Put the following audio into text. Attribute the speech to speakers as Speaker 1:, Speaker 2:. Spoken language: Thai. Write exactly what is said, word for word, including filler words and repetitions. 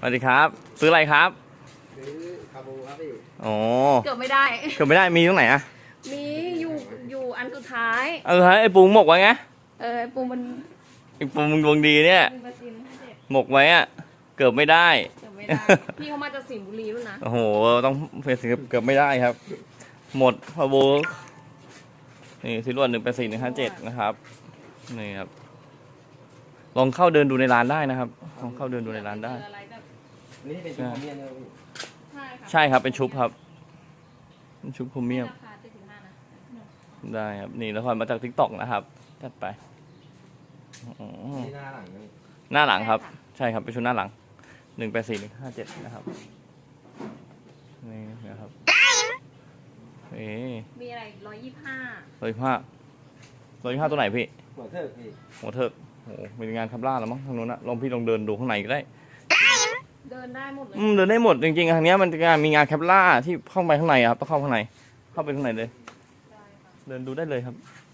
Speaker 1: วัสดีครับซื้ออะไรครับ
Speaker 2: ซื้อคาบูครับพี่
Speaker 1: อ๋อ
Speaker 3: เกือบไม่ได้
Speaker 1: เกือบไม่ได้มีตรงไหนอะ
Speaker 3: มีอยู่อยู่อันสุดท้าย
Speaker 1: เออไอ้ปูหมกไว้ไง
Speaker 3: เออปูมัน
Speaker 1: ไอ้ปูมึงดวงดีเนี่ยหมกไว้อะเกือบไม่ได้
Speaker 3: เกือบไม่ได้พี่เขามาจากสิงห์บุรีด้วยนะ
Speaker 1: โอ้โหต้องเฟซเกือบไม่ได้ครับหมดพาโบนี่สิรวดหนึ่งเป็นสี่หนึ่งห้าเจ็ดนะครับนี่ครับลองเข้าเดินดูในร้านได้นะครับลองเข้าเดินดูในร้านได้
Speaker 2: นี่เป็นชุดพรีเมียมเลยพี่
Speaker 1: ใช่ครับเป็นชุบครับเป็นชุบพรีเมียมได้ครับนี่ละครมาจากทิกตอกนะครับจัดไป
Speaker 2: นี่หน้าหลังนี่
Speaker 1: หน้าหลังครับใช่ครับเป็นชุดหน้าหลังหนึ่งแปดสี่หนึ่งห้าเจ็ดนะครับนี่นะครับเอ๊
Speaker 3: มีอะไรร้อยยี่สิบห้า
Speaker 1: ร้อยห้าร้อยห้าตัวไหนพี่
Speaker 2: หัวเทิกพี่
Speaker 1: หัวเทิกโอ้เป็นงานคับล่าแล้วมั้งทางนู้นนะลองพี่ลองเดินดูข้างในก็ได้
Speaker 3: เดินได้หมดเลย
Speaker 1: อืมเดินได้หมดจริงๆทางนี้มันจะมีงานแคปล่าที่เข้าไปข้างในครับต้องเข้าข้างในเข้าไปข้างในเลยเดินดูได้เลยครับ